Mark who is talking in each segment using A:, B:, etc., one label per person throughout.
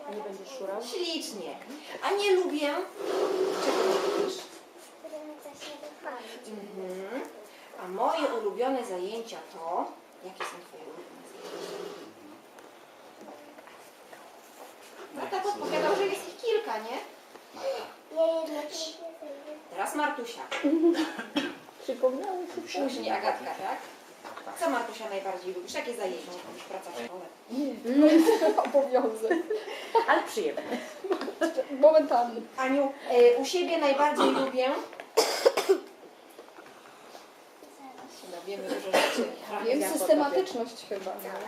A: Nie będziesz szurał?
B: Ślicznie. A nie lubię... Czego nie lubisz? A moje ulubione zajęcia to... Jakie są twoje ulubione zajęcia? No tak odpowiadał, że jest ich kilka, nie? Teraz Martusia.
A: Przypomniało się.
B: Później Agatka, tak? Co Martusia najbardziej lubisz? Jakie zajęcia? Lubisz praca w szkole?
A: Obowiązek.
C: Ale przyjemne.
A: Momentami.
B: Aniu, u siebie najbardziej lubię... No, wiemy dużo rzeczy.
A: Wiem, systematyczność chyba.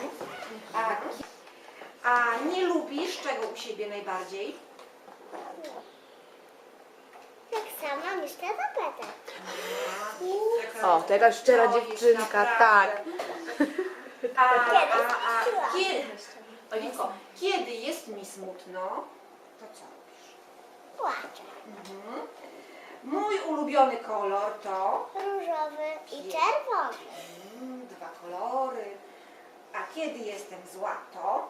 B: A nie lubisz czego u siebie najbardziej?
D: Tak samo myślę zapytać.
C: O, taka szczera dziewczynka, tak.
B: Olinko, kiedy jest mi smutno, to co robisz?
D: Płaczę.
B: Mój ulubiony kolor to...
D: Różowy i czerwony.
B: Dwa kolory. A kiedy jestem zła, to...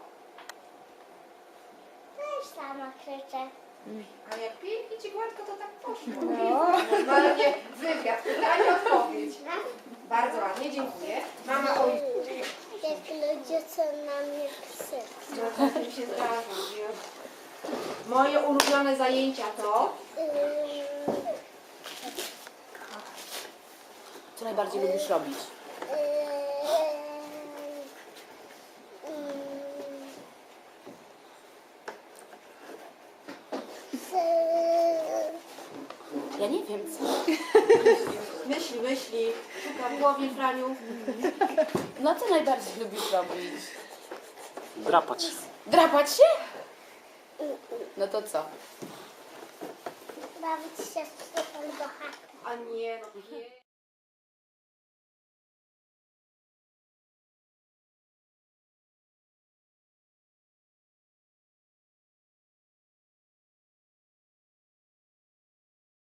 D: Też sama krzyczę.
B: A jak pięknie ci gładko, to tak poszło. Normalnie wywiad, pytanie, odpowiedź. Bardzo ładnie, dziękuję. Mama, oj,
D: Jak ludzie co na mnie psy.
B: no tak mi się zdarza. Moje ulubione zajęcia to...
C: Co najbardziej lubisz robić? Ja nie wiem co.
B: Myśli, szuka w głowie, Franiu.
C: No co najbardziej lubisz robić?
E: Drapać.
C: Drapać się? No to co?
D: Bawić się z psem do chaty.
B: A nie, no nie.